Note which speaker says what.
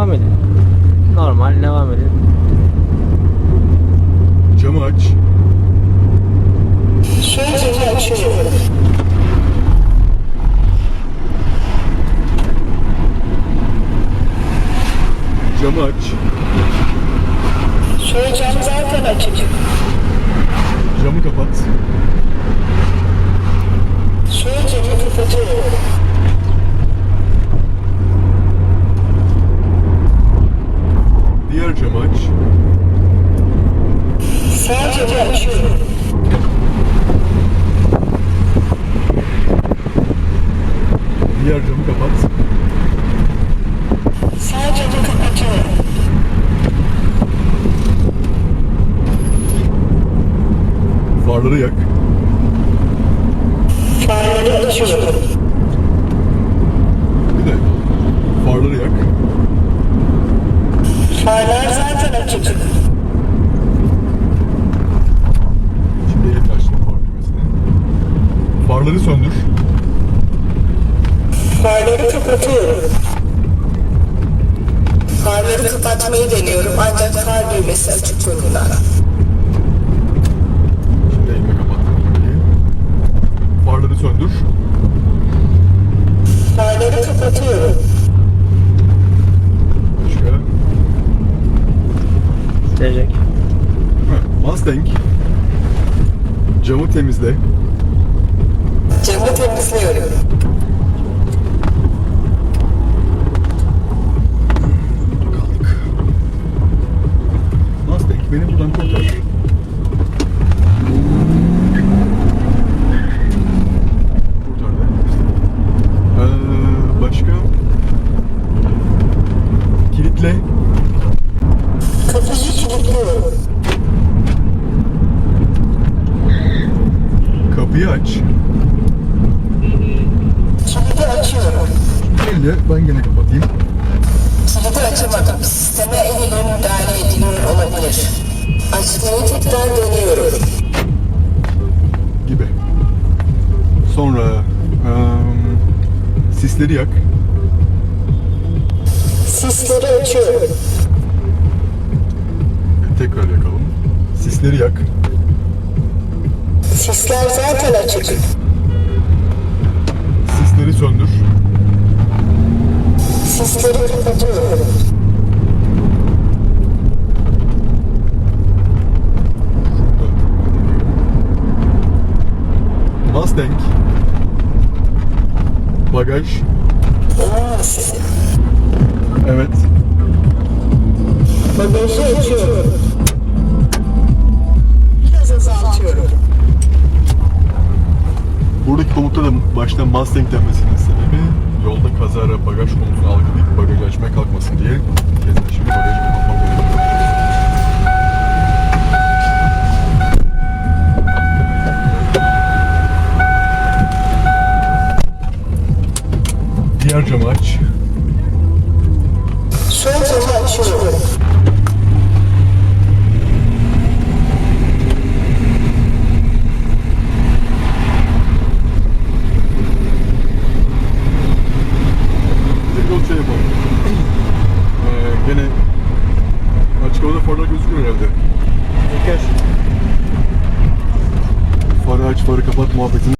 Speaker 1: Devam edin. Normal devam edin.
Speaker 2: Camı aç.
Speaker 3: Sol camı açıyorum.
Speaker 2: Camı aç.
Speaker 3: Sol cam zaten açık.
Speaker 2: Camı kapat.
Speaker 3: Sol camı kapatıyorum.
Speaker 2: Diğer camı aç.
Speaker 3: Sağ camı açıyorum.
Speaker 2: Diğer camı kapat.
Speaker 3: Sağ camı kapatıyorum.
Speaker 2: Farları yak.
Speaker 3: Farları açıyorum.
Speaker 2: Bir de farları yak.
Speaker 3: Farlar zaten açık.
Speaker 2: Şimdi elimle açtım far düğmesini. Farları söndür.
Speaker 3: Farları kapatıyorum. Farları kapatmayı deniyorum ancak far düğmesi açık durumda.
Speaker 2: Şimdi elime kapattım kapıyı. Farları söndür.
Speaker 3: Farları kapatıyorum.
Speaker 2: Başka.
Speaker 1: Silecek.
Speaker 2: Mustang. Camı temizle.
Speaker 3: Camı temizliyorum.
Speaker 2: Kaldık. Mustang beni buradan kurtar. Kurtardı. Başka? Kilitle.
Speaker 3: Kapıyı kilitliyorum.
Speaker 2: Kapıyı aç.
Speaker 3: Kilidi açıyorum.
Speaker 2: Elle ben gene kapatayım.
Speaker 3: Kilidi açamadım. Sisteme el ile müdahale ediliyor olabilir. Açmayı tekrar deniyorum.
Speaker 2: Gibi. Sonra sisleri yak.
Speaker 3: Sisleri açıyorum.
Speaker 2: Tekrar yakalım. Sisleri yak.
Speaker 3: Sisler zaten açık.
Speaker 2: Sisleri söndür.
Speaker 3: Sisleri kapatıyorum.
Speaker 2: Mustang. Bagaj.
Speaker 3: Olmaz.
Speaker 2: Evet.
Speaker 3: Bagajı açıyorum. Biraz azaltıyorum.
Speaker 2: Buradaki komutta da başta Mustang denmesinin sebebi yolda kazara bagaj konusunu algılayıp bagajı açmaya kalkmasın diye. Kesin şimdi bagajı kapatmak zorunda. Diğer camı aç.
Speaker 3: Sol camı açıyorum.
Speaker 2: Bir de yol şey yapalım. Gene açık havada farlar gözüküyor herhalde.
Speaker 1: Gör.
Speaker 2: Farı aç, farı kapat muhabbetini